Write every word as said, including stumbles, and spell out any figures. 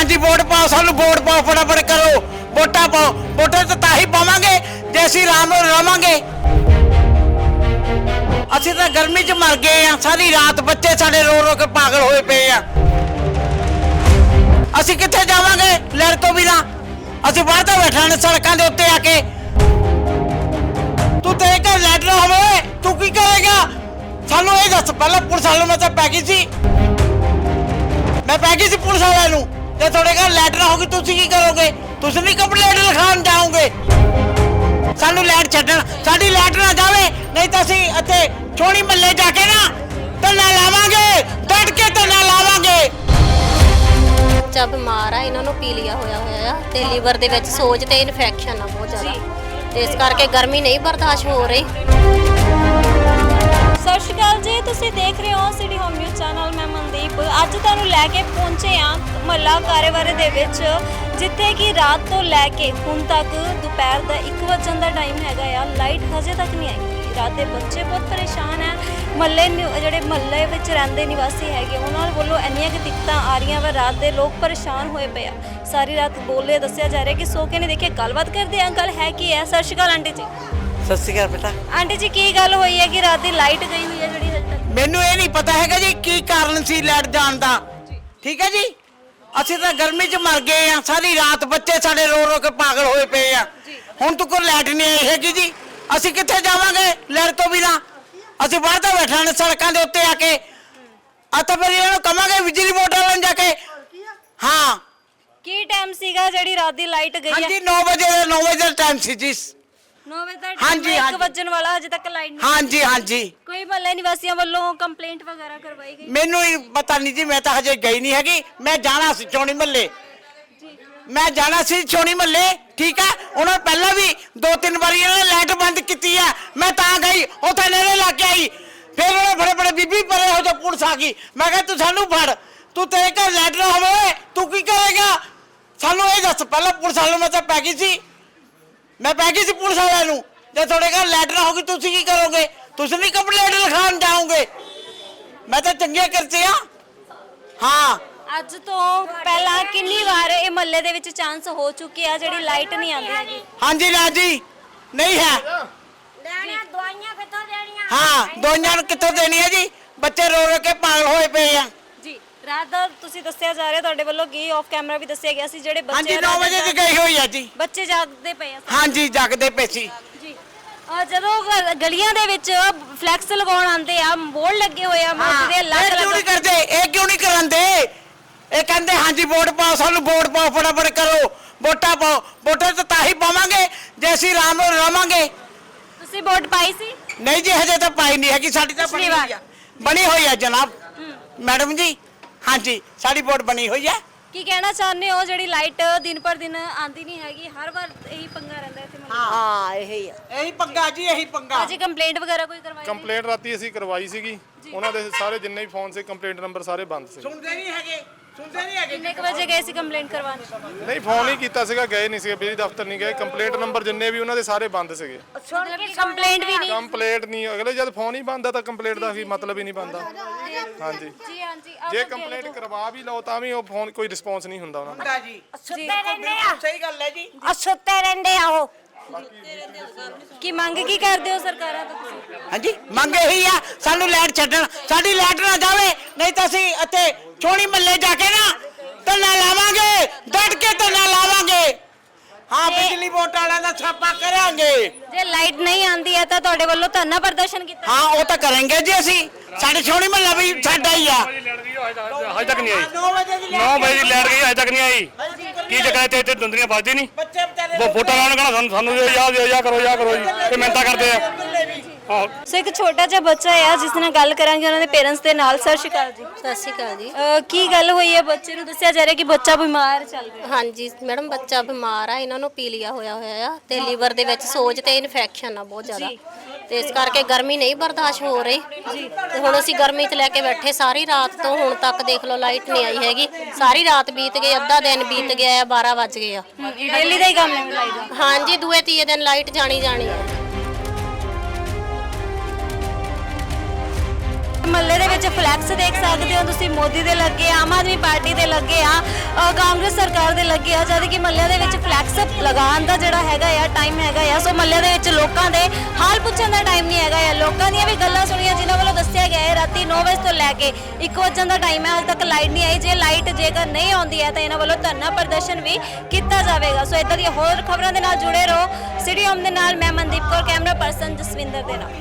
ਹਾਂਜੀ ਵੋਟ ਪਾਓ ਸਾਨੂੰ ਵੋਟ ਪਾਓ ਫਟਾਫਟ ਕਰੋ ਵੋਟਾਂ ਪਾਓ ਵੋਟਾਂ ਤਾਂ ਤਾਂ ਹੀ ਪਾਵਾਂਗੇ ਜੇ ਅਸੀਂ ਆਰਾਮ ਨਾਲ ਰਵਾਂਗੇ। ਅਸੀਂ ਤਾਂ ਗਰਮੀ 'ਚ ਮਰ ਗਏ ਆ ਸਾਰੀ ਰਾਤ ਬੱਚੇ ਸਾਡੇ ਰੋ ਰੋ ਕੇ ਪਾਗਲ ਹੋਏ ਪਏ ਆ। ਅਸੀਂ ਕਿੱਥੇ ਜਾਵਾਂਗੇ ਲੜ ਤੋਂ ਬਿਨਾਂ ਅਸੀਂ ਬਾਹਰ ਤਾਂ ਬੈਠਾ ਨੇ ਸੜਕਾਂ ਦੇ ਉੱਤੇ ਆ ਕੇ। ਤੂੰ ਤੇਰੇ ਘਰ ਲੈਟ ਨਾ ਹੋਵੇ ਤੂੰ ਕੀ ਕਰੇਗਾ ਸਾਨੂੰ ਇਹ ਦੱਸ ਪਹਿਲਾਂ ਪੁਲਿਸ ਵਾਲੇ ਮੈਂ ਤਾਂ ਪੈ ਗਈ ਸੀ ਮੈਂ ਪੈ ਗਈ ਸੀ ਪੁਲਿਸ ਵਾਲਿਆਂ ਨੂੰ ਤੇ ਤੁਹਾਡੇ ਘਰ ਲੈਟ ਨਾ ਹੋਗੀ ਤੁਸੀਂ ਕੀ ਕਰੋਗੇ ਤੁਸੀਂ ਨਹੀਂ ਕੰਪਲੇਂਟ ਲਿਖਾਉਣ ਜਾਓਗੇ। ਸਾਨੂੰ ਲੈਟ ਛੱਡਣ ਸਾਡੀ ਲੈਟ ਨਾ ਜਾਵੇ ਨਹੀਂ ਤਾਂ ਅਸੀਂ ਇੱਥੇ ਛੋਣੀ ਮੱਲੇ ਜਾ ਕੇ ਨਾ ਧਰਨਾ ਲਾਵਾਂਗੇ ਡਟ ਕੇ ਧਰਨਾ ਲਾਵਾਂਗੇ। ਬੱਚਾ ਬਿਮਾਰ ਆ ਇਹਨਾਂ ਨੂੰ ਪੀਲੀਆ ਹੋਇਆ ਹੋਇਆ ਆ ਤੇ ਲੀਵਰ ਦੇ ਵਿੱਚ ਸੋਜ ਤੇ ਇਨਫੈਕਸ਼ਨ ਆ ਬਹੁਤ ਜ਼ਿਆਦਾ ਤੇ ਇਸ ਕਰਕੇ ਗਰਮੀ ਨਹੀਂ ਬਰਦਾਸ਼ਤ ਹੋ ਰਹੀ। ਸਤਿ ਸ਼੍ਰੀ ਅਕਾਲ ਜੀ ਤੁਸੀਂ ਦੇਖ ਰਹੇ ਹੋ ਸਿਟੀ ਹੋਮ ਨਿਊਜ਼ ਚੈਨਲ ਮੈਂ ਮਨਦੀਪ ਅੱਜ ਤੁਹਾਨੂੰ ਲੈ ਕੇ ਪਹੁੰਚੇ ਆ ਮਹੱਲਾ ਕਾਰੇਵਾਰੇ ਦੇ ਵਿੱਚ ਜਿੱਥੇ ਕਿ ਰਾਤ ਤੋਂ ਲੈ ਕੇ ਹੁਣ ਤੱਕ ਦੁਪਹਿਰ ਦਾ ਇੱਕ ਵਜੇ ਦਾ ਟਾਈਮ ਹੈਗਾ ਆ ਲਾਈਟ ਹਜੇ ਤੱਕ ਨਹੀਂ ਆਈ। ਰਾਤ ਦੇ ਬੱਚੇ ਬਹੁਤ ਪਰੇਸ਼ਾਨ ਹੈ ਮਹੱਲੇ ਜਿਹੜੇ ਮਹੱਲੇ ਵਿੱਚ ਰਹਿੰਦੇ ਨਿਵਾਸੀ ਹੈਗੇ ਉਹਨਾਂ ਵੱਲੋਂ ਇੰਨੀਆਂ ਕਿ ਦਿੱਕਤਾਂ ਆ ਰਹੀਆਂ ਵਾ ਰਾਤ ਦੇ ਲੋਕ ਪਰੇਸ਼ਾਨ ਹੋਏ ਪਏ ਆ ਸਾਰੀ ਰਾਤ ਬੋਲੇ ਦੱਸਿਆ ਜਾ ਰਿਹਾ ਕਿ ਸੋ ਕੇ ਨਹੀਂ ਦੇਖਿਆ ਗੱਲਬਾਤ ਕਰਦੇ ਆ ਗੱਲ ਹੈ ਕੀ ਹੈ। ਸਤਿ ਸ਼੍ਰੀ ਅਕਾਲ ਆਂਟੀ ਜੀ। ਸਤਿ ਸ਼੍ਰੀ ਅਕਾਲ ਬੇਟਾ। ਆਂਟੀ ਜੀ ਕੀ ਗੱਲ ਹੋਈ ਹੈ ਕਿ ਰਾਤ ਦੀ ਲਾਈਟ ਗਈ ਹੋਈ ਹੈ ਜਿਹੜੀ ਹਜੇ ਤੱਕ? ਮੈਨੂੰ ਇਹ ਨਹੀਂ ਪਤਾ ਹੈਗਾ ਜੀ ਕੀ ਕਾਰਨ ਸੀ ਲਾਈਟ ਜਾਣ ਦਾ ਠੀਕ ਹੈ ਜੀ ਅਸੀਂ ਤਾਂ ਗਰਮੀ 'ਚ ਮਰ ਗਏ ਆ ਸਾਰੀ ਰਾਤ ਬੱਚੇ ਸਾਡੇ ਰੋ ਰੋ ਕੇ ਪਾਗਲ ਹੋਏ ਪਏ ਆ ਹੁਣ ਤੱਕ ਕੋਈ ਲਾਈਟ ਨਹੀਂ ਆਈ ਹੈਗੀ ਜੀ ਅਸੀਂ ਕਿੱਥੇ ਜਾਵਾਂਗੇ ਲਾਈਟ ਤੋਂ ਬਿਨਾਂ ਅਸੀਂ ਬਾਹਰ ਤਾਂ ਬੈਠਾ ਨੇ ਸੜਕਾਂ ਦੇ ਉੱਤੇ ਆ ਕੇ ਆ ਤਾਂ ਫਿਰ ਇਹਨਾਂ ਨੂੰ ਕਵਾਂਗੇ ਬਿਜਲੀ ਮੋਟਰ ਲਾਉਣ ਜਾ ਕੇ। ਹਾਂ ਕੀ ਟਾਈਮ ਸੀਗਾ ਜਿਹੜੀ ਰਾਤ ਦੀ ਲਾਈਟ ਗਈ ਹੈ? ਹਾਂਜੀ ਨੌ ਵਜੇ ਦਾ ਨੌ ਵਜੇ ਦਾ ਟਾਈਮ ਸੀ ਜੀ। ਨੌ ਵਜੇ ਦਾ ਹਾਂਜੀ, ਇੱਕ ਹਾਂਜੀ। ਵੱਜਣ ਵਾਲਾ ਹਜੇ ਤੱਕ ਲਾਈਟ ਨਹੀਂ ਹਾਂਜੀ ਹਾਂਜੀ ਕੋਈ ਮਹੱਲੇ ਨਿਵਾਸੀਆਂ ਵੱਲੋਂ ਕੰਪਲੇਂਟ ਵਗੈਰਾ ਕਰਵਾਈ ਗਈ? ਮੈਨੂੰ ਹੀ ਪਤਾ ਨਹੀਂ ਜੀ ਮੈਂ ਤਾਂ ਹਜੇ ਗਈ ਨਹੀਂ ਹੈਗੀ ਮੈਂ ਜਾਣਾ ਸੀ ਚੋਣੀ ਮੱਲੇ ਮੈਂ ਜਾਣਾ ਸੀ ਚੋਣੀ ਮੱਲੇ ਠੀਕ ਹੈ ਉਹਨਾਂ ਪਹਿਲਾਂ ਵੀ ਦੋ ਤਿੰਨ ਵਾਰੀ ਇਹਨਾਂ ਨੇ ਲਾਈਟ ਬੰਦ ਕੀਤੀ ਹੈ ਮੈਂ ਤਾਂ ਗਈ ਉੱਥੇ ਨੇੜੇ ਲੱਗ ਕੇ ਆਈ ਫਿਰ ਉਹਨੇ ਬੜੇ ਬੜੇ ਬੀਬੀ ਪਰੇ ਹੋ ਜਾ ਪੁਲਿਸ ਆ ਗਈ ਮੈਂ ਕਿਹਾ ਤੂੰ ਸਾਨੂੰ ਫੜ ਤੂੰ ਤੇਰੇ ਘਰ ਲਾਈਟ ਨਾ ਹੋਵੇ ਤੂੰ ਕੀ ਕਰੇਗਾ ਸਾਨੂੰ ਇਹ ਦੱਸ ਪਹਿਲਾਂ ਪੁਲਿਸ ਵਾਲੇ ਮੈਂ ਤਾਂ ਪੈ ਗਈ ਸੀ ਮੈਂ ਪੈ ਗਈ ਸੀ ਪੁਲਿਸ ਵਾਲਿਆਂ ਨੂੰ ਜੇ ਤੁਹਾਡੇ ਘਰ ਲਾਈਟ ਨਾ ਹੋਗੀ ਤੁਸੀਂ ਕੀ ਕਰੋਗੇ ਤੁਸੀਂ ਨਹੀਂ ਕੰਪਲੇਂਟ ਲਿਖਾਉਣ ਜਾਓਗੇ ਮੈਂ ਤਾਂ ਚੰਗੇ ਕਰਤੇ ਆ। ਹਾਂ ਅੱਜ ਤੋਂ ਪਹਿਲਾਂ ਕਿੰਨੀ ਵਾਰ ਇਹ ਮਹੱਲੇ ਦੇ ਵਿੱਚ ਚਾਂਸ ਹੋ ਚੁੱਕੇ ਆ ਜਿਹੜੀ ਲਾਈਟ ਨਹੀਂ ਆਉਂਦੀ ਹੈਗੀ? ਹਾਂਜੀ ਰਾਜੀ ਨਹੀਂ ਹੈ ਲੈਣਾ ਦਵਾਈਆਂ ਕਿੱਥੋਂ ਦੇਣੀਆਂ? ਹਾਂ ਦਵਾਈਆਂ ਨੂੰ ਕਿੱਥੋਂ ਦੇਣੀ ਹੈ ਜੀ ਬੱਚੇ ਰੋ ਰੋ ਕੇ ਪਾਗਲ ਹੋਏ ਪਏ ਆ। ਜੀ ਰਾਤ ਦਾ ਤੁਸੀਂ ਦੱਸਿਆ ਜਾ ਰਿਹਾ ਤੁਹਾਡੇ ਵੱਲੋਂ ਕੀ ਆਫ ਕੈਮਰਾ ਵੀ ਦੱਸਿਆ ਗਿਆ ਸੀ ਜਿਹੜੇ ਬੱਚੇ ਹਾਂਜੀ ਨੌ ਵਜੇ ਦੀ ਗਈ ਹੋਈ ਆ ਜੀ। ਬੱਚੇ ਜਾਗਦੇ ਪਏ ਆ ਹਾਂਜੀ ਜਾਗਦੇ ਪਏ ਸੀ ਜੀ ਅਹ ਜਦੋਂ ਗ- ਗਲੀਆਂ ਦੇ ਵਿੱਚ ਫਲੈਕਸ ਲਗਾਉਣ ਆਉਂਦੇ ਆ ਬੋਰਡ ਲੱਗੇ ਹੋਏ ਆ ਮਹੱਲੇ ਦੇ ਇਹ ਅਲੱਗ ਕਿਉਂ ਨਹੀਂ ਅਲੱਗ ਕਰਦੇ ਇਹ ਕਿਉਂ ਨਹੀਂ ਕਰਾਂਦੇ ਇਹ ਕਹਿੰਦੇ ਹਾਂਜੀ ਵੋਟ ਪਾਓ ਸਾਨੂੰ ਵੋਟ ਪਾਓ ਫਟਾਫਟ ਕਰੋ ਵੋਟਾਂ ਪਾਓ ਵੋਟਾਂ ਤਾਂ ਤਾਂ ਹੀ ਪਾਵਾਂਗੇ ਜੇ ਅਸੀਂ ਆਰਾਮ ਨਾਲ ਰਵਾਂਗੇ। ਤੁਸੀਂ ਵੋਟ ਪਾਈ ਸੀ? ਨਹੀਂ ਜੀ ਹਜੇ ਤਾਂ ਪਾਈ ਨਹੀਂ ਹੈਗੀ ਸਾਡੀ ਤਾਂ ਬਣੀ ਹੋਈ ਆ ਬਣੀ ਹੋਈ ਆ ਜਨਾਬ ਮੈਡਮ ਜੀ ਹਾਂਜੀ ਸਾਡੀ ਵੋਟ ਬਣੀ ਹੋਈ ਆ। ਕੀ ਕਹਿਣਾ ਚਾਹੁੰਦੇ ਹੋ ਜਿਹੜੀ ਲਾਈਟ ਦਿਨ ਪਰ ਦਿਨ ਆਂਦੀ ਨਹੀਂ ਹੈਗੀ ਹਰ ਵਾਰ ਇਹੀ ਪੰਗਾ ਰਹਿੰਦਾ ਇੱਥੇ ਮਹੱਲੇ ਦਾ? ਹਾਂ ਇਹੀ ਆ ਇਹੀ ਪੰਗਾ ਜੀ ਇਹੀ ਪੰਗਾ। ਅਜੇ ਕੰਪਲੇਂਟ ਵਗੈਰਾ ਕੋਈ ਕਰਵਾਈ? ਕੰਪਲੇਂਟ ਰਾਤੀ ਅਸੀਂ ਕਰਵਾਈ ਸੀਗੀ ਉਹਨਾਂ ਦੇ ਸਾਰੇ ਜਿੰਨੇ ਵੀ ਫੋਨ ਸੀ ਕੰਪਲੇਂਟ ਨੰਬਰ ਸਾਰੇ ਬੰਦ ਸੀ। ਸੁਣਦੇ ਨਹੀਂ ਹੈਗੇ ਸੁਣਦੇ ਨਹੀਂ ਹੈਗੇ ਕਿੰਨੇ ਕੁ ਵਜੇ ਗਏ ਸੀ ਕੰਪਲੇਂਟ ਕਰਵਾਉਣ? ਨਹੀਂ ਫੋਨ ਹੀ ਕੀਤਾ ਸੀਗਾ ਗਏ ਨਹੀਂ ਸੀਗੇ ਬਿਜਲੀ ਦਫ਼ਤਰ ਨਹੀਂ ਗਏ ਕੰਪਲੇਂਟ ਨੰਬਰ ਜਿੰਨੇ ਵੀ ਉਹਨਾਂ ਦੇ ਸਾਰੇ ਬੰਦ ਸੀਗੇ। ਮਤਲਬ ਕਿ ਕੰਪਲੇਂਟ ਵੀ ਨਹੀਂ? ਕੰਪਲੇਂਟ ਨਹੀਂ ਅਗਲੇ ਜਦ ਫੋਨ ਹੀ ਬੰਦ ਆ ਤਾਂ ਕੰਪਲੇਂਟ ਦਾ ਵੀ ਮਤਲਬ ਹੀ ਨਹੀਂ ਬਣਦਾ। ਹਾਂਜੀ ਜੀ ਹਾਂਜੀ ਜੇ ਕੰਪਲੇਂਟ ਕਰਵਾ ਵੀ ਲਓ ਤਾਂ ਵੀ ਉਹ ਫੋਨ ਕੋਈ ਰਿਸਪੌਂਸ ਨਹੀਂ ਹੁੰਦਾ ਉਹਨਾਂ ਦਾ। ਜੀ ਸੁੱਤੇ ਰਹਿੰਦੇ ਆ ਸਹੀ ਗੱਲ ਹੈ ਜੀ ਆ ਸੁੱਤੇ ਰਹਿੰਦੇ ਆ ਉਹ ਕੀ ਮੰਗ ਕੀ ਕਰਦੇ ਹੋ ਸਰਕਾਰਾਂ ਤੋਂ ਤੁਸੀਂ? ਹਾਂਜੀ ਮੰਗ ਇਹੀ ਆ ਸਾਨੂੰ ਲਾਈਟ ਛੱਡਣ ਸਾਡੀ ਲਾਈਟ ਨਾ ਜਾਵੇ ਨਹੀਂ ਤਾਂ ਅਸੀਂ ਇੱਥੇ ਛੋਣੀ ਮੱਲੇ ਜਾ ਕੇ ਨਾ ਧਰਨਾ ਲਾਵਾਂਗੇ ਡਟ ਕੇ ਧਰਨਾ ਲਾਵਾਂਗੇ। ਹਾਂ ਬਿਜਲੀ ਬੋਰਡ ਵਾਲਿਆਂ ਦਾ ਛਾਪਾ ਕਰਾਂਗੇ। ਜੇ ਲਾਈਟ ਨਹੀਂ ਆਂਦੀ ਹੈ ਤਾਂ ਤੁਹਾਡੇ ਵੱਲੋਂ ਧਰਨਾ ਪ੍ਰਦਰਸ਼ਨ ਕੀਤਾ? ਹਾਂ ਉਹ ਤਾਂ ਕਰਾਂਗੇ ਜੀ ਅਸੀਂ ਸਾਡੇ ਛੋਣੀ ਮੱਲਾ ਵੀ ਸਾਡਾ ਹੀ ਆ। ਹਜੇ ਤੱਕ ਨਹੀਂ ਆਈ ਨੌ ਵਜੇ ਦੀ ਨੌ ਵਜੇ ਦੀ ਲਾਈਟ ਗਈ ਹਜੇ ਤੱਕ ਨਹੀਂ ਆਈ ਕੀ ਜਗ੍ਹਾ ਤੇ ਇੱਥੇ ਦੁੰਦਰੀਆਂ ਵੱਜਦੀ ਨਹੀਂ ਬੱਚੇ ਵਿਚਾਰੇ ਉਹ ਫੋਟੋ ਲਾਉਣ ਕਹਣਾ ਸਾਨੂੰ ਸਾਨੂੰ ਦਿਓ ਯਾਦ ਦਿਓ ਯਾ ਕਰੋ ਯਾ ਕਰੋ ਜੀ ਤੇ ਮਿਹਨਤਾਂ ਕਰਦੇ ਆ ਆਹੋ ਸੋ ਇੱਕ ਛੋਟਾ ਜਿਹਾ ਬੱਚਾ ਆ ਜਿਸ ਨਾਲ ਗੱਲ ਕਰਾਂਗੇ ਉਹਨਾਂ ਦੇ ਪੇਰੈਂਟਸ ਦੇ ਨਾਲ। ਸਤਿ ਸ਼੍ਰੀ ਅਕਾਲ ਜੀ। ਸਤਿ ਸ਼੍ਰੀ ਅਕਾਲ ਜੀ। ਅਹ ਕੀ ਗੱਲ ਹੋਈ ਹੈ ਬੱਚੇ ਨੂੰ ਦੱਸਿਆ ਜਾ ਰਿਹਾ ਕਿ ਬੱਚਾ ਬਿਮਾਰ ਚੱਲ ਰਿਹਾ? ਹਾਂਜੀ ਮੈਡਮ ਬੱਚਾ ਬਿਮਾਰ ਆ ਇਹਨਾਂ ਨੂੰ ਪੀਲੀਆ ਹੋਇਆ ਹੋਇਆ ਆ ਤੇ ਲੀਵਰ ਦੇ ਵਿੱਚ ਸੋਜ ਤੇ ਇਨਫੈਕਸ਼ਨ ਆ ਬਹੁਤ ਜ਼ਿਆਦਾ ਤੇ ਇਸ ਕਰਕੇ ਗਰਮੀ ਨਹੀਂ ਬਰਦਾਸ਼ਤ ਹੋ ਰਹੀ ਤੇ ਹੁਣ ਅਸੀਂ ਗਰਮੀ 'ਚ ਲੈ ਕੇ ਬੈਠੇ ਸਾਰੀ ਰਾਤ ਤੋਂ ਹੁਣ ਤੱਕ ਦੇਖ ਲਓ ਲਾਈਟ ਨਹੀਂ ਆਈ ਹੈਗੀ ਸਾਰੀ ਰਾਤ ਬੀਤ ਗਈ ਅੱਧਾ ਦਿਨ ਬੀਤ ਗਿਆ ਆ ਬਾਰਾਂ ਵੱਜ ਗਏ ਆ। ਡੇਲੀ ਦਾ ਹੀ ਕੰਮ ਹੈ ਲਾਈਟ ਦਾ? ਹਾਂਜੀ ਦੂਏ ਤੀਏ ਦਿਨ ਲਾਈਟ ਜਾਣੀ ਜਾਣੀ ਆ। ਮਹੱਲੇ ਦੇ ਵਿੱਚ ਫਲੈਕਸ ਦੇਖ ਸਕਦੇ ਹੋ ਤੁਸੀਂ, ਮੋਦੀ ਦੇ ਲੱਗੇ ਆ, ਆਮ ਆਦਮੀ ਪਾਰਟੀ ਦੇ ਲੱਗੇ ਆ, ਅ, ਕਾਂਗਰਸ ਸਰਕਾਰ ਦੇ ਲੱਗੇ ਆ, ਜਦ ਕਿ ਮਹੱਲੇ ਦੇ ਵਿੱਚ ਫਲੈਕਸ ਲਗਾਉਣ ਦਾ ਜਿਹੜਾ ਹੈਗਾ ਆ ਟਾਈਮ ਹੈਗਾ ਆ। ਸੋ ਮਹੱਲੇ ਦੇ ਵਿੱਚ ਲੋਕਾਂ ਦੇ ਹਾਲ ਪੁੱਛਣ ਦਾ ਟਾਈਮ ਨਹੀਂ ਹੈਗਾ ਆ। ਲੋਕਾਂ ਦੀਆਂ ਵੀ ਗੱਲਾਂ ਸੁਣੀਆਂ ਜਿਨ੍ਹਾਂ ਵੱਲੋਂ ਦੱਸਿਆ ਗਿਆ ਹੈ ਰਾਤੀ ਨੌ ਵਜੇ ਤੋਂ ਲੈ ਕੇ ਇੱਕ ਵਜੇ ਦਾ ਟਾਈਮ ਹੈ, ਹਾਲੇ ਤੱਕ ਲਾਈਟ ਨਹੀਂ ਆਈ। ਜੇ ਲਾਈਟ ਜੇਕਰ ਨਹੀਂ ਆਉਂਦੀ ਹੈ ਤਾਂ ਇਹਨਾਂ ਵੱਲੋਂ ਧਰਨਾ ਪ੍ਰਦਰਸ਼ਨ ਵੀ ਕੀਤਾ ਜਾਵੇਗਾ। ਸੋ ਇਦਾਂ ਦੀਆਂ ਹੋਰ ਖਬਰਾਂ ਦੇ ਨਾਲ ਜੁੜੇ ਰਹੋ। ਸਿਟੀ ਹੋਮ ਦੇ ਨਾਲ ਮੈਂ ਮਨਦੀਪ ਕੌਰ, ਕੈਮਰਾ ਪਰਸਨ ਜਸਵਿੰਦਰ ਦੇ ਨਾਲ।